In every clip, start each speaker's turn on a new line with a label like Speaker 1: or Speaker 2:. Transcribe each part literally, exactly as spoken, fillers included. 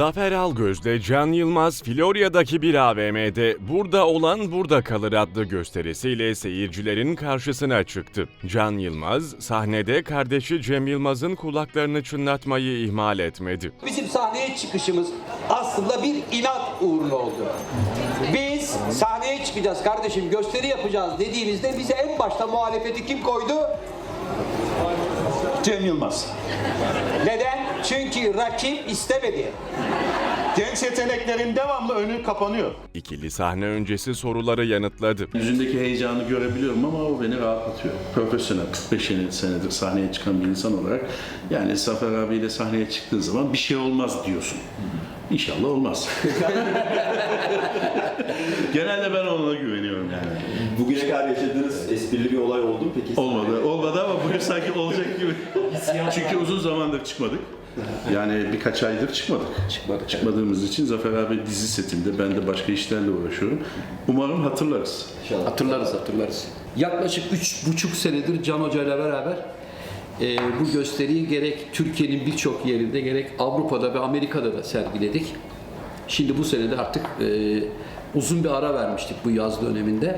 Speaker 1: Zafer Algöz'le Can Yılmaz, Florya'daki bir A V M'de "Burada olan burada kalır" adlı gösterisiyle seyircilerin karşısına çıktı. Can Yılmaz, sahnede kardeşi Cem Yılmaz'ın kulaklarını çınlatmayı ihmal etmedi.
Speaker 2: Bizim sahneye çıkışımız aslında bir inat uğruna oldu. Biz sahneye çıkacağız kardeşim, gösteri yapacağız dediğimizde bize en başta muhalefeti kim koydu?
Speaker 3: Cem Yılmaz.
Speaker 2: Neden? Çünkü rakip istemedi.
Speaker 3: Genç yeteneklerin devamlı önü kapanıyor.
Speaker 1: İkili sahne öncesi soruları yanıtladı.
Speaker 4: Yüzündeki heyecanı görebiliyorum ama o beni rahatlatıyor. Profesyonel, kırk beş senedir sahneye çıkan bir insan olarak yani Zafer abiyle sahneye çıktığın zaman bir şey olmaz diyorsun. İnşallah olmaz. Genelde ben ona güveniyorum yani.
Speaker 5: Bugüne kadar yaşadığınız esprili bir olay oldu mu peki?
Speaker 4: Olmadı. Olmadı ama bugün sanki olacak gibi. Çünkü uzun zamandır çıkmadık. Yani birkaç aydır çıkmadık.
Speaker 5: Çıkmadık.
Speaker 4: Çıkmadığımız için Zafer abi dizi setinde, ben de başka işlerle uğraşıyorum. Umarım hatırlarız.
Speaker 5: İnşallah.
Speaker 6: Hatırlarız, hatırlarız. Yaklaşık üç buçuk senedir Can Hoca ile beraber e, bu gösteriyi gerek Türkiye'nin birçok yerinde gerek Avrupa'da ve Amerika'da da sergiledik. Şimdi bu sene de artık e, uzun bir ara vermiştik bu yaz döneminde.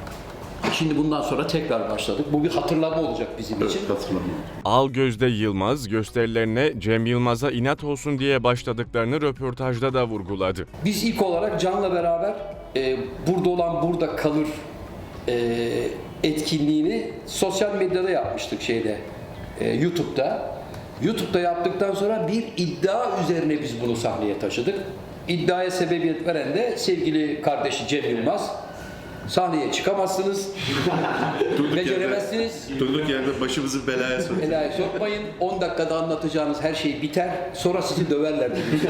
Speaker 6: Şimdi bundan sonra tekrar başladık. Bu bir hatırlama olacak bizim
Speaker 4: Evet,
Speaker 6: için.
Speaker 4: hatırlamıyorum.
Speaker 1: Algöz'de Yılmaz, gösterilerine Cem Yılmaz'a inat olsun diye başladıklarını röportajda da vurguladı.
Speaker 6: Biz ilk olarak Can'la beraber e, burada olan burada kalır e, etkinliğini sosyal medyada yapmıştık şeyde e, YouTube'da. YouTube'da yaptıktan sonra bir iddia üzerine biz bunu sahneye taşıdık. İddiaya sebebiyet veren de sevgili kardeşi Cem Yılmaz. Sahneye çıkamazsınız,
Speaker 4: Durduk
Speaker 6: beceremezsiniz.
Speaker 4: Yerde, durduk yerde başımızı belaya soktuk.
Speaker 6: Belaya sokmayın. on dakikada anlatacağınız her şey biter. Sonra sizi döverler dedik.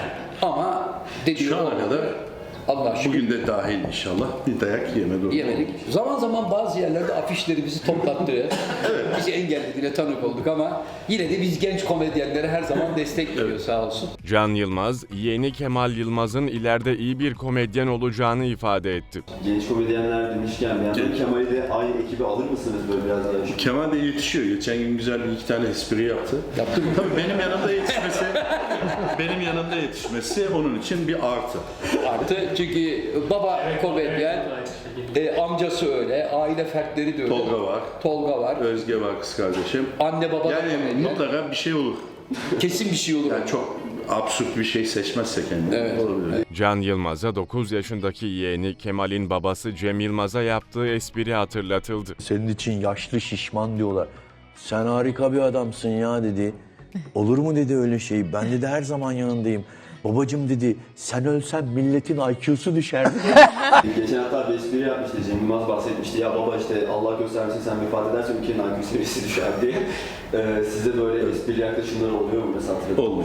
Speaker 6: Ama dediği
Speaker 4: Şu ana
Speaker 6: olmadı.
Speaker 4: kadar
Speaker 6: Allah şükür
Speaker 4: bugün de dahil inşallah bir dayak yeme durumu.
Speaker 6: yemedik. Zaman zaman bazı yerlerde afişleri bizi toplattı. Bizi engellediğine tanık olduk ama yine de biz genç komedyenlere her zaman destek veriyor sağ olsun.
Speaker 1: Can Yılmaz, yeğeni Kemal Yılmaz'ın ileride iyi bir komedyen olacağını ifade etti.
Speaker 5: Genç komedyenler demişken bir yandan
Speaker 4: Genç.
Speaker 5: Kemal'i de aynı ekibe alır mısınız böyle biraz daha? Şu-
Speaker 4: Kemal de yetişiyor. Geçen gün güzel bir iki tane espri yaptı.
Speaker 6: Yaptı mı?
Speaker 4: Tabii benim yanımda yetişmesi, benim yanımda yetişmesi onun için bir artı.
Speaker 6: Artı çünkü baba komedyen, e, amcası öyle, aile fertleri de öyle.
Speaker 4: Tolga var.
Speaker 6: Tolga var.
Speaker 4: Özge var kız kardeşim.
Speaker 6: Anne baba da
Speaker 4: Yani
Speaker 6: komedyen.
Speaker 4: mutlaka bir şey olur.
Speaker 6: Kesin bir şey olur.
Speaker 4: Yani çok absürt bir şey seçmezse kendini.
Speaker 6: Evet.
Speaker 4: Olabilir.
Speaker 1: Can Yılmaz'a dokuz yaşındaki yeğeni Kemal'in babası Cem Yılmaz'a yaptığı espri hatırlatıldı.
Speaker 7: Senin için yaşlı şişman diyorlar. Sen harika bir adamsın ya dedi. Olur mu dedi öyle şey. Ben dedi her zaman yanındayım. Babacım dedi sen ölsen milletin I Q'su düşer dedi.
Speaker 5: Geçen hafta bir espri yapmıştı. Cem Yılmaz bahsetmişti. Ya baba işte Allah göstermesin sen vefat edersen ülkenin I Q seviyesi düşer diye. Ee, size böyle esprili yaklaşımlar oluyor mu mesela hatırladığınız
Speaker 4: Olmuyor.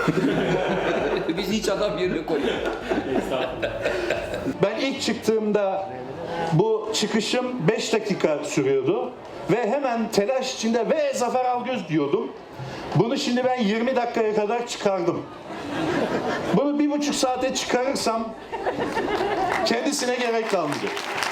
Speaker 5: şey
Speaker 6: Biz hiç adam yerine koyuyoruz.
Speaker 3: Ben ilk çıktığımda bu çıkışım beş dakika sürüyordu. Ve hemen telaş içinde ve Zafer Algöz diyordum. Bunu şimdi ben yirmi dakikaya kadar çıkardım. Bunu bir buçuk saate çıkarırsam kendisine gerek kalmayacak.